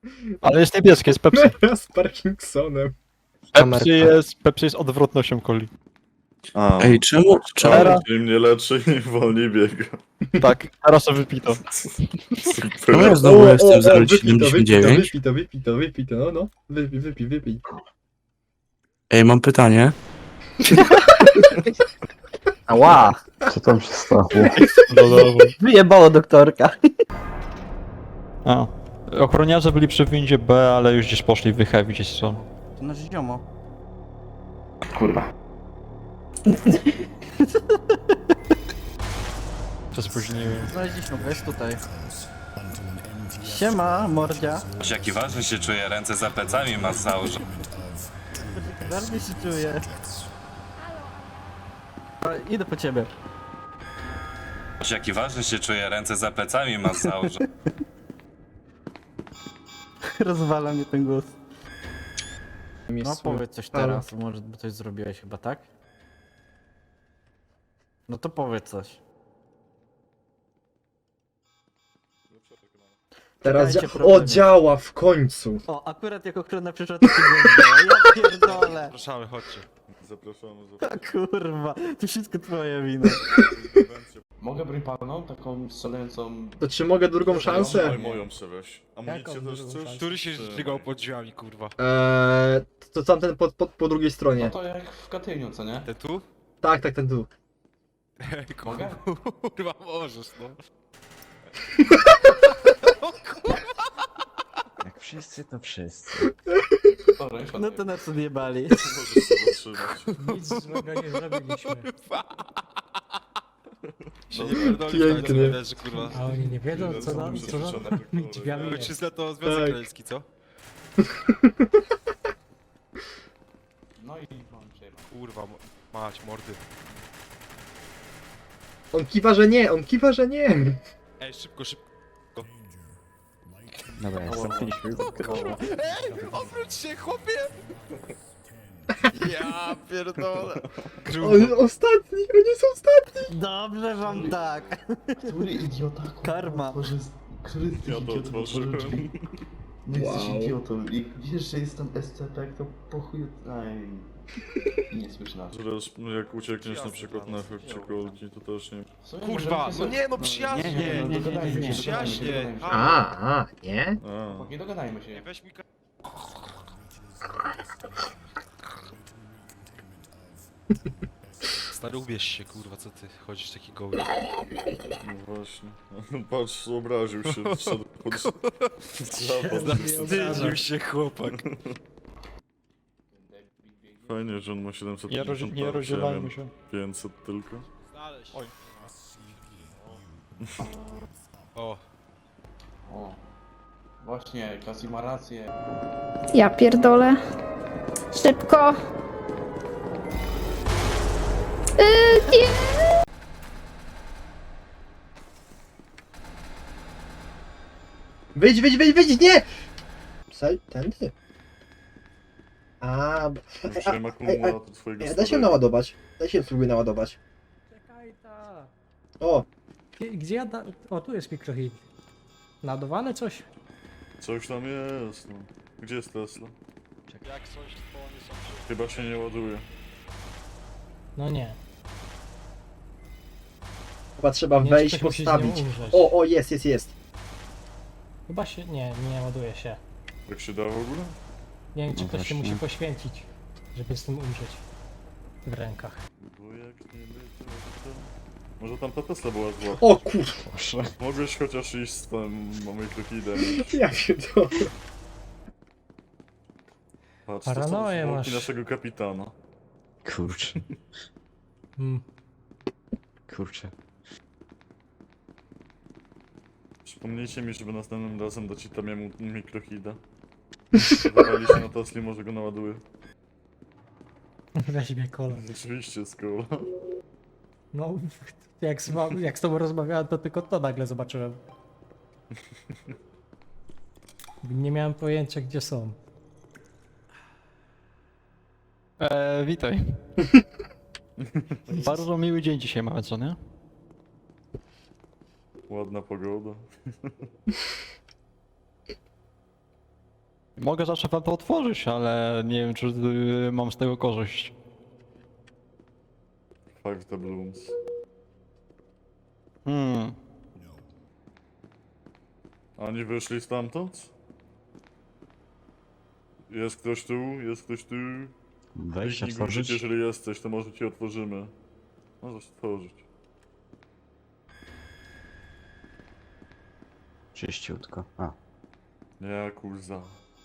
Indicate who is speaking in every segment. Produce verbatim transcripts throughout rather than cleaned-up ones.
Speaker 1: Ale jest niebieskie, jest Pepsi.
Speaker 2: Z Parkinsonem.
Speaker 1: Pepsi jest, Pepsi jest odwrotnością coli.
Speaker 3: A,
Speaker 4: Ej, czemu? czemu?
Speaker 1: Teraz-
Speaker 3: im mnie leczy, im wolniej biega.
Speaker 1: Tak, teraz to wypito.
Speaker 4: Czemu ja
Speaker 3: Super.
Speaker 4: znowu jestem
Speaker 2: wypij
Speaker 4: zero
Speaker 2: to,
Speaker 4: siedemdziesiąt
Speaker 2: wypij to,
Speaker 4: dziewięć?
Speaker 2: wypij to, wypij to, wypij to, no no. Wypij, wypij, wypij.
Speaker 4: Ej, mam pytanie.
Speaker 5: Ała!
Speaker 6: Co tam się stało?
Speaker 5: Wyjebało doktorka.
Speaker 1: A. Ochroniarze byli przy windzie B, ale już gdzieś poszli wychew, gdzieś są.
Speaker 5: To nasz ziomo.
Speaker 6: Kurwa.
Speaker 1: To spóźniłem.
Speaker 5: Znaleźliśmy go, jest tutaj. Siema, mordzia.
Speaker 7: Jaki ważny się czuje, ręce za plecami ma założone.
Speaker 5: Bardzo się czuję. O, idę po ciebie.
Speaker 7: Jaki ważny się czuje, ręce za plecami ma założone.
Speaker 5: Rozwala mnie ten głos. No
Speaker 2: Miejscu.
Speaker 5: powiedz coś teraz, może by coś zrobiłeś chyba, tak? No to powiedz coś.
Speaker 2: Teraz
Speaker 5: Czekajcie,
Speaker 2: dzia-
Speaker 5: problemy.
Speaker 2: O, działa w końcu.
Speaker 5: O, akurat jako ochrona przyszła to się nie ja pierdolę.
Speaker 1: Zapraszamy, chodźcie.
Speaker 3: Zapraszamy,
Speaker 5: A
Speaker 3: zapraszamy.
Speaker 5: kurwa, to wszystko twoja wina.
Speaker 6: Mogę broń palną? Taką strzelającą...
Speaker 2: To czy mogę drugą szansę?
Speaker 3: Moją, moją przeweź. Amunicję też chcesz?
Speaker 1: Który się
Speaker 3: Czy-
Speaker 1: żygał pod drzwiami, kurwa?
Speaker 2: Eee, to tamten po, po, po drugiej
Speaker 6: No
Speaker 2: stronie.
Speaker 6: to jak w Katyniu, co nie?
Speaker 1: Te tu?
Speaker 2: Tak, tak, ten tu.
Speaker 6: Mogę?
Speaker 1: Kurwa, możesz, no.
Speaker 8: Jak wszyscy, to wszyscy.
Speaker 6: Dobra, już
Speaker 5: No to nas odjebali.
Speaker 3: Możesz sobie zatrzymać.
Speaker 9: Nic złego nie zrobiliśmy.
Speaker 1: Się nie pierdoli,
Speaker 2: Pięknie.
Speaker 1: leży, kurwa.
Speaker 9: A oni nie wiedzą, co
Speaker 3: Są
Speaker 9: nam, co nam
Speaker 3: przetrzeszone
Speaker 9: tymi drzwiami jest.
Speaker 1: Ojczyzna to Związek
Speaker 2: Tak.
Speaker 1: Radziecki, co?
Speaker 6: No i mam przejebać.
Speaker 1: Kurwa, mo- mać, mordy.
Speaker 2: On kiwa, że nie, on kiwa, że nie.
Speaker 1: Ej, szybko, szybko.
Speaker 8: Dobra, jestem.
Speaker 1: Ej, obróć się, chłopie! Ja pierdolę.
Speaker 2: On ostatni, on jest ostatni.
Speaker 5: Dobrze wam tak.
Speaker 6: Który idiota,
Speaker 5: Karma.
Speaker 6: Boże, który z tych
Speaker 3: Ja to
Speaker 6: idiotów
Speaker 3: otworzyłem.
Speaker 6: otworzył drzwi? No jesteś
Speaker 2: Wow.
Speaker 6: idiotą i wiesz, że jestem S C P, to po chuj... Aj... Nie słysz nas.
Speaker 3: Teraz jak uciekniesz na przykład na chybcie kolki, to też nie...
Speaker 6: W sumie
Speaker 1: Kurwa,
Speaker 6: możemy się
Speaker 1: no nie, no
Speaker 6: z-
Speaker 1: przyjaźnie.
Speaker 6: Nie, nie, no
Speaker 9: Nie, nie,
Speaker 6: dogadajmy
Speaker 9: nie, nie,
Speaker 6: się, dogadajmy się,
Speaker 1: przyjaźnie.
Speaker 6: dogadajmy się.
Speaker 2: A, a, nie?
Speaker 3: A,
Speaker 6: Chłopaki, dogadajmy się.
Speaker 1: Weź mi ka- Stary, ubierz się, kurwa, co ty chodzisz taki goły.
Speaker 3: no właśnie. Patrz, obraził się, wszedł pod zapad.
Speaker 1: Wstydził się chłopak.
Speaker 3: Fajnie, że on ma siedemset
Speaker 1: Nie, roz,
Speaker 3: pięćdziesiąt
Speaker 1: nie
Speaker 3: lat, ja
Speaker 1: rozdzielajmy
Speaker 3: miałem
Speaker 1: się.
Speaker 3: pięćset tylko.
Speaker 1: Oj. O,
Speaker 6: O. Właśnie, Kasi ma rację.
Speaker 10: Ja pierdolę. Szybko. Yy, nie.
Speaker 2: Wyjdź, wyjdź, wyjdź, wyjdź, nie! Saj, tędy. A, b-
Speaker 3: Użyłem
Speaker 2: a,
Speaker 3: akumulator twojego
Speaker 2: a, da się
Speaker 3: starego.
Speaker 2: naładować. Da się spróbuj naładować.
Speaker 9: Czekaj ta.
Speaker 2: O,
Speaker 9: Gdzie, gdzie ja da... O, tu jest mikrohit. Naładowane coś?
Speaker 3: Coś tam jest, no. Gdzie jest Tesla?
Speaker 1: jak coś, to oni są przy...
Speaker 3: Chyba się nie ładuje.
Speaker 9: No nie.
Speaker 2: chyba trzeba
Speaker 9: Nie,
Speaker 2: wejść,
Speaker 9: ktoś musi z nią
Speaker 2: postawić.
Speaker 9: umrzeć.
Speaker 2: O, o, jest, jest, jest.
Speaker 9: Chyba się... Nie, nie ładuje się.
Speaker 3: Jak się da w ogóle?
Speaker 9: Nie wiem, czy
Speaker 8: No
Speaker 9: ktoś się
Speaker 8: właśnie.
Speaker 9: musi poświęcić, żeby z tym umrzeć. W rękach.
Speaker 3: Bo jak nie będzie, to... Może tam ta Tesla była zła.
Speaker 2: O kurwa,
Speaker 8: Proszę.
Speaker 3: Mogłeś chociaż iść z tym mikrokidem.
Speaker 2: ja pierdolę.
Speaker 3: Patrz,
Speaker 9: Paranoję
Speaker 3: to są
Speaker 9: masz.
Speaker 3: zwłoki naszego kapitana.
Speaker 8: Kurczę.
Speaker 9: Mm.
Speaker 8: Kurczę.
Speaker 3: Przypomnijcie mi, żeby następnym razem dać Itamiemu mikrohida. Wywali się na Tesli, może go naładuje.
Speaker 9: Weź mnie kolor.
Speaker 3: Oczywiście, skoro.
Speaker 9: No, jak z, wam- jak z tobą rozmawiałem, to tylko to nagle zobaczyłem. Nie miałem pojęcia, gdzie są.
Speaker 1: Eee, witaj. Bardzo miły dzień dzisiaj mamy, co nie?
Speaker 3: Ładna pogoda.
Speaker 1: Mogę zawsze wam to otworzyć, ale nie wiem, czy y, mam z tego korzyść.
Speaker 3: Five the blooms.
Speaker 1: Hmm.
Speaker 3: Oni wyszli stamtąd? Jest ktoś tu? Jest ktoś tu?
Speaker 8: Wejść,
Speaker 3: Kliknij guzik,
Speaker 8: otworzyć?
Speaker 3: jeżeli jesteś, to może ci otworzymy. Możesz otworzyć.
Speaker 8: Czyściutko. A,
Speaker 3: Nie, kurza.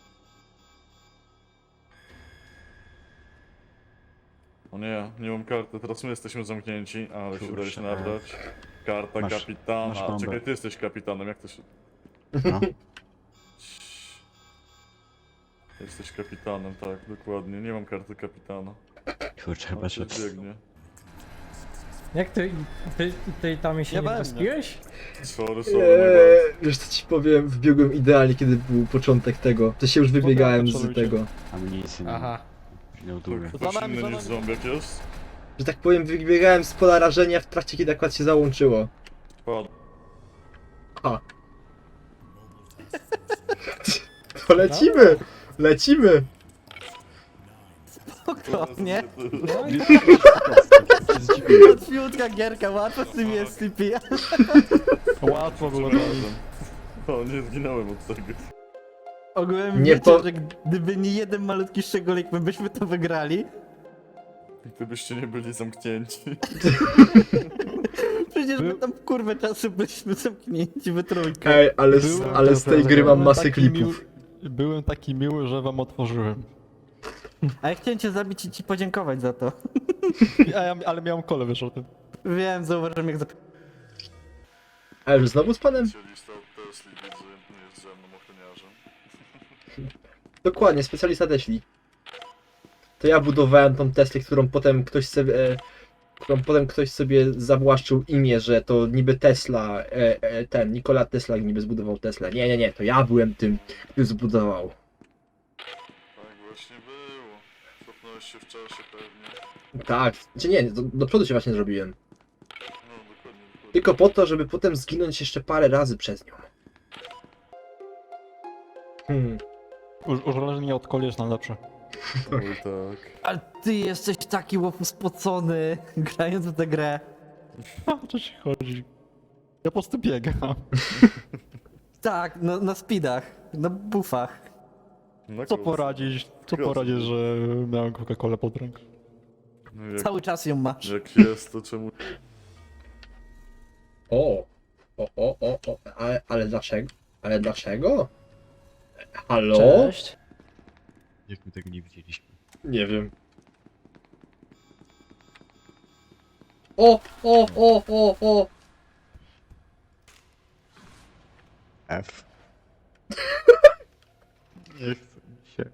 Speaker 3: O nie, nie mam karty, teraz my jesteśmy zamknięci, ale się
Speaker 8: Kurczę.
Speaker 3: daje się nabrać. Karta
Speaker 8: Masz-
Speaker 3: kapitana.
Speaker 8: masz
Speaker 3: A,
Speaker 8: bombę.
Speaker 3: czekaj, ty jesteś kapitanem, jak to się...
Speaker 8: no.
Speaker 3: Jesteś kapitanem, tak, dokładnie. Nie mam karty kapitana.
Speaker 8: Kurczę, chyba
Speaker 3: Ale
Speaker 8: że...
Speaker 3: się biegnie.
Speaker 9: Jak ty, ty, ty tam się
Speaker 1: Nie
Speaker 9: nie
Speaker 1: będę.
Speaker 9: wyspiłeś?
Speaker 3: Sorry, sorry, mój bad.
Speaker 2: Eee, wiesz co ci powiem, wbiegłem idealnie, kiedy był początek tego. To się już wybiegałem z
Speaker 1: absolutnie.
Speaker 2: tego.
Speaker 8: Amunicji nie,
Speaker 9: Aha.
Speaker 8: nie ładuje.
Speaker 3: To
Speaker 1: Za
Speaker 3: ktoś
Speaker 1: nami,
Speaker 3: inny
Speaker 1: za
Speaker 3: niż
Speaker 1: nami.
Speaker 3: zombiak jest?
Speaker 2: Że tak powiem, wybiegałem z pola rażenia w trakcie, kiedy akurat się załączyło.
Speaker 3: Padł.
Speaker 2: A. To lecimy! Lecimy!
Speaker 5: Spokojnie.
Speaker 9: No i
Speaker 5: Łatwiutka gierka, łatwo z tym jest C P.
Speaker 1: Łatwo było to.
Speaker 3: Przepraszam. O, nie zginąłem od tego.
Speaker 5: Ogółem
Speaker 2: Nie
Speaker 5: wiecie,
Speaker 2: po-
Speaker 5: że gdyby nie jeden malutki szczególik, my byśmy to wygrali.
Speaker 3: Gdybyście nie byli zamknięci.
Speaker 5: Przecież my
Speaker 1: Był-
Speaker 5: tam kurwę czasu byliśmy zamknięci we trójkę.
Speaker 2: Ej, ale, z,
Speaker 1: Byłem-
Speaker 2: ale z tej gry mam
Speaker 1: Byłem
Speaker 2: masę
Speaker 1: taki
Speaker 2: klipów.
Speaker 1: miły- Byłem taki miły, że wam otworzyłem.
Speaker 5: A ja chciałem cię zabić i ci podziękować za to.
Speaker 1: A ja, ale miałem kole, wiesz o tym.
Speaker 5: Wiem, zauważyłem jak zap...
Speaker 2: Ale że znowu z panem?
Speaker 3: Specjalista od Tesli, widzę, nie jest ze mną ochroniarzem.
Speaker 2: Dokładnie, specjalista Tesli. To ja budowałem tą Teslę, którą potem ktoś sobie... E, którą potem ktoś sobie zawłaszczył imię, że to niby Tesla, e, e, ten, Nikola Tesla niby zbudował Teslę. Nie, nie, nie, to ja byłem tym, który zbudował.
Speaker 3: Tak właśnie było. Cofnąłeś się w czasie pewnie.
Speaker 2: Tak, czy nie, do, do przodu się właśnie zrobiłem.
Speaker 3: No, dokładnie, dokładnie.
Speaker 2: Tylko po to, żeby potem zginąć jeszcze parę razy przez nią. Hmm.
Speaker 1: U- Uzależnienie od koli jest najlepsze.
Speaker 3: Oj tak.
Speaker 5: Ale ty jesteś taki łopu spocony, grając w tę grę.
Speaker 1: O co ci chodzi? Ja po prostu biegam.
Speaker 5: Tak, no, na speedach, na buffach.
Speaker 3: Na
Speaker 1: Co
Speaker 3: koc.
Speaker 1: poradzić? Co
Speaker 3: Zgadza
Speaker 1: poradzić,
Speaker 3: się.
Speaker 1: że miałem Coca-Colę pod ręką?
Speaker 3: No jak,
Speaker 5: Cały czas ją masz.
Speaker 3: jak jest, to czemu...
Speaker 2: O, o, o, o, o, ale, ale dlaczego? Ale dlaczego? Halo?
Speaker 5: Cześć.
Speaker 8: Jak my tego nie widzieliśmy.
Speaker 2: Nie wiem. O, o, o, o, o!
Speaker 8: F. Nie chcę mi się.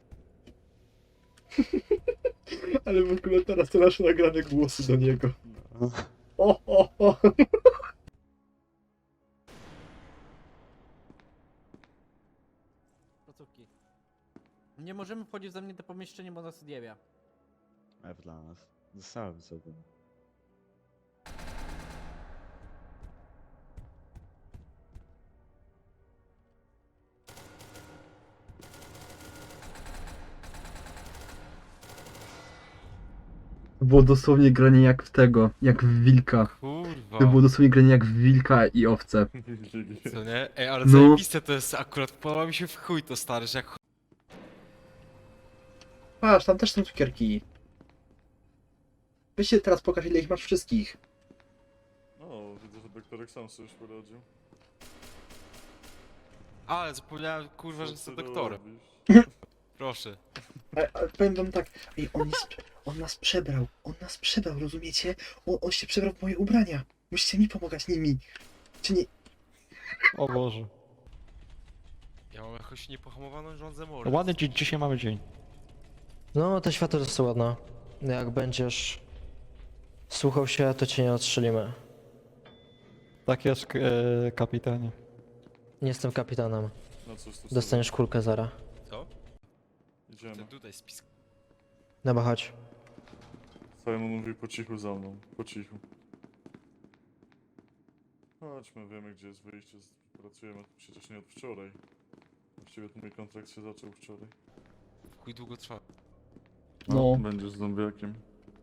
Speaker 2: Ale w ogóle teraz to nasze nagrane głosy do niego. O, o, o!
Speaker 5: Placówki. Nie możemy wchodzić za mnie do pomieszczenia, bo nas odjawia.
Speaker 8: F dla nas. Zostałem sobie.
Speaker 2: To było dosłownie granie jak w tego, jak w wilka.
Speaker 11: Kurwa.
Speaker 2: To było dosłownie granie jak w wilka i owce.
Speaker 11: Co nie? Ej, ale
Speaker 2: No.
Speaker 11: zajebiste to jest akurat, podoba mi się w chuj to stary, że jak
Speaker 2: Patrz, tam też są cukierki. Weź się teraz pokaż, ile ich masz wszystkich.
Speaker 3: O, widzę, że doktorek sam sobie już poradził.
Speaker 11: Ale zapomniałem, kurwa, że
Speaker 3: Co
Speaker 11: jestem
Speaker 3: ty
Speaker 11: doktorem.
Speaker 3: robisz?
Speaker 11: Proszę.
Speaker 2: Ale, ale powiem wam tak, ej, on, jest, on nas przebrał, on nas przebrał, rozumiecie? On, on się przebrał w moje ubrania. Musicie mi pomagać nimi. Czy nie...
Speaker 1: O Boże.
Speaker 11: Ja mam jakąś niepohamowaną rządzę mordę.
Speaker 1: Ładny dzi- dzisiaj mamy dzień.
Speaker 5: No, to światło jest ładne. Jak będziesz słuchał się, to cię nie odstrzelimy.
Speaker 1: Tak jest, k- e, kapitanie.
Speaker 5: Nie jestem kapitanem.
Speaker 3: No cóż, to
Speaker 5: Dostaniesz kulkę zara.
Speaker 11: Co?
Speaker 3: Idziemy.
Speaker 11: Ten tutaj spis.
Speaker 5: Dobra, chodź.
Speaker 3: Simon mówi po cichu za mną, po cichu. Chodźmy, wiemy gdzie jest wyjście, pracujemy tu przecież nie od wczoraj. Właściwie to mój kontrakt się zaczął wczoraj.
Speaker 11: Chuj długo trwa.
Speaker 2: No.
Speaker 3: Będziesz zombiakiem.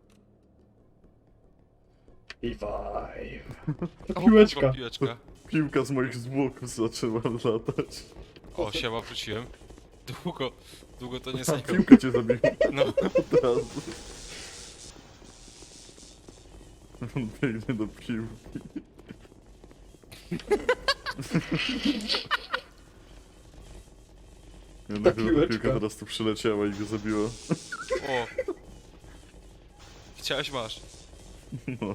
Speaker 2: Revive.
Speaker 11: O,
Speaker 2: Piłeczka.
Speaker 11: kurwa, piłeczka.
Speaker 3: Piłka z moich zwłok zaczęła latać.
Speaker 11: O, siema, wróciłem. Długo, długo to nie
Speaker 3: A,
Speaker 11: zajęło.
Speaker 3: piłka cię zabiła.
Speaker 11: No,
Speaker 3: Od razu. On biegnie do piłki. Jednak
Speaker 2: piłeczka.
Speaker 3: piłka teraz tu przyleciała i go zabiła.
Speaker 11: o. Chciałeś, masz.
Speaker 3: No.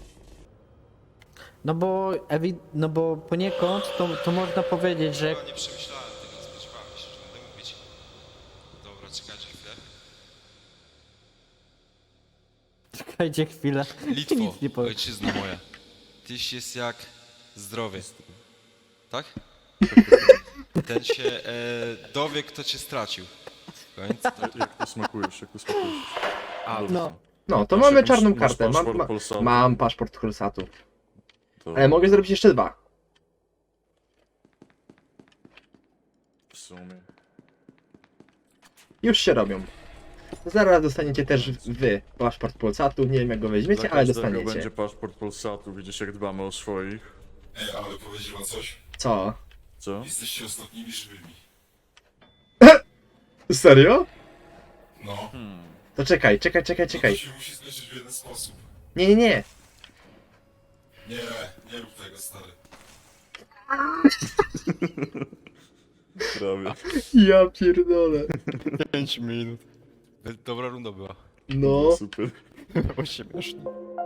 Speaker 9: No bo, ewi- no bo poniekąd to, to można powiedzieć, że
Speaker 11: No, nie przemyślałem tego, nie spodziewałem się, że będę mówić. Dobra, czekajcie chwilę.
Speaker 9: czekajcie chwilę.
Speaker 11: Litwo,
Speaker 9: Nic nie powiem.
Speaker 11: ojczyzno moja. Tyś jest jak zdrowie. Tak? Ten się e, dowie, kto cię stracił. Koniec. To,
Speaker 3: Jak to smakujesz, jak to smakujesz?
Speaker 11: a,
Speaker 9: No.
Speaker 2: No, to
Speaker 3: Masz
Speaker 2: mamy
Speaker 3: jakąś-
Speaker 2: czarną
Speaker 3: masz
Speaker 2: kartę. Mam,
Speaker 3: paszport
Speaker 2: ma,
Speaker 3: Polsatu?
Speaker 2: mam paszport Polsatu.
Speaker 3: To
Speaker 2: Ale mogę zrobić jeszcze dwa.
Speaker 3: w sumie.
Speaker 2: Już się robią. Zaraz dostaniecie też wy paszport Polsatu. Nie wiem jak go weźmiecie,
Speaker 3: Dla
Speaker 2: ale
Speaker 3: każdego
Speaker 2: dostaniecie.
Speaker 3: będzie paszport Polsatu, widzisz jak dbamy o swoich.
Speaker 11: Ej, ale powiedzieć wam coś?
Speaker 2: Co?
Speaker 3: Co?
Speaker 11: Jesteście ostatnimi żywymi.
Speaker 2: Serio?
Speaker 11: No.
Speaker 3: Hmm.
Speaker 2: To czekaj, czekaj, czekaj, czekaj.
Speaker 11: się musi skończyć w jeden sposób.
Speaker 2: Nie, nie, nie.
Speaker 11: Nie, nie rób tego, stary.
Speaker 3: Prawie.
Speaker 2: Ja pierdolę.
Speaker 1: pięć minut.
Speaker 11: Dobra runda była.
Speaker 2: No.
Speaker 3: Super.
Speaker 1: Było śmiesznie.